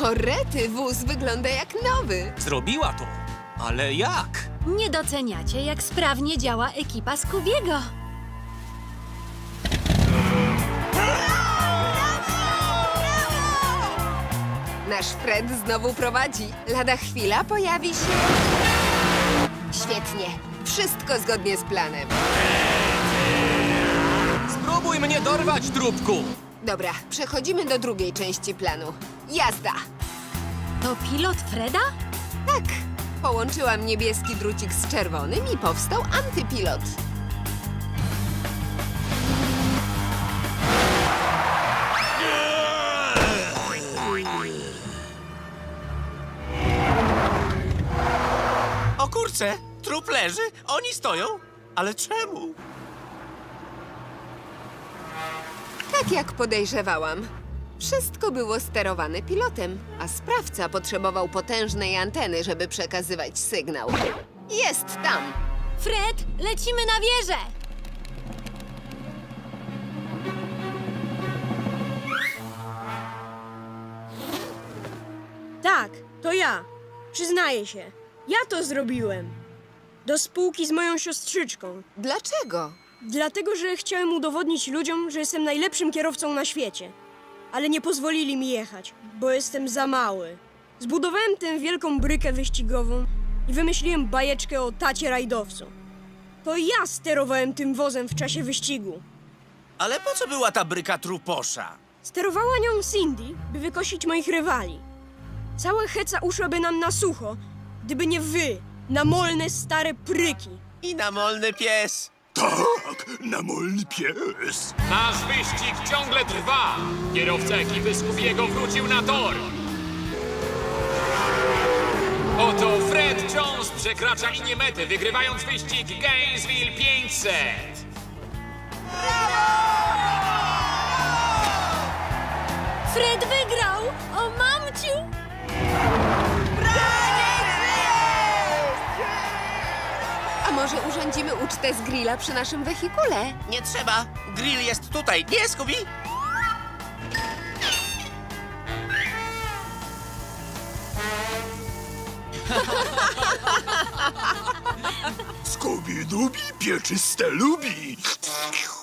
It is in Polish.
O rety, wóz wygląda jak nowy. Zrobiła to. Ale jak? Nie doceniacie, jak sprawnie działa ekipa Scoobiego. Nasz Fred znowu prowadzi. Lada chwila pojawi się... Świetnie. Wszystko zgodnie z planem. Spróbuj mnie dorwać, trupku! Dobra, przechodzimy do drugiej części planu. Jazda! To pilot Freda? Tak, połączyłam niebieski drucik z czerwonym i powstał antypilot. O kurczę, trup leży, oni stoją. Ale czemu? Tak jak podejrzewałam. Wszystko było sterowane pilotem, a sprawca potrzebował potężnej anteny, żeby przekazywać sygnał. Jest tam! Fred, lecimy na wieżę! Tak, to ja. Przyznaję się. Ja to zrobiłem. Do spółki z moją siostrzyczką. Dlaczego? Dlatego, że chciałem udowodnić ludziom, że jestem najlepszym kierowcą na świecie. Ale nie pozwolili mi jechać, bo jestem za mały. Zbudowałem tę wielką brykę wyścigową i wymyśliłem bajeczkę o tacie rajdowcu. To ja sterowałem tym wozem w czasie wyścigu. Ale po co była ta bryka truposza? Sterowała nią Cindy, by wykosić moich rywali. Cała heca uszłaby nam na sucho, gdyby nie wy, namolne stare pryki. I namolny pies. Tak, namolny pies. Nasz wyścig ciągle trwa. Kierowca ekipy Scoobiego wrócił na tor. Oto Fred Jones przekracza linię mety, wygrywając wyścig Gainesville 500. Fred wygrał! O mamciu! A może urządzimy ucztę z grilla przy naszym wehikule? Nie trzeba. Grill jest tutaj, nie, Scooby? Scooby-Dooby pieczyste lubi.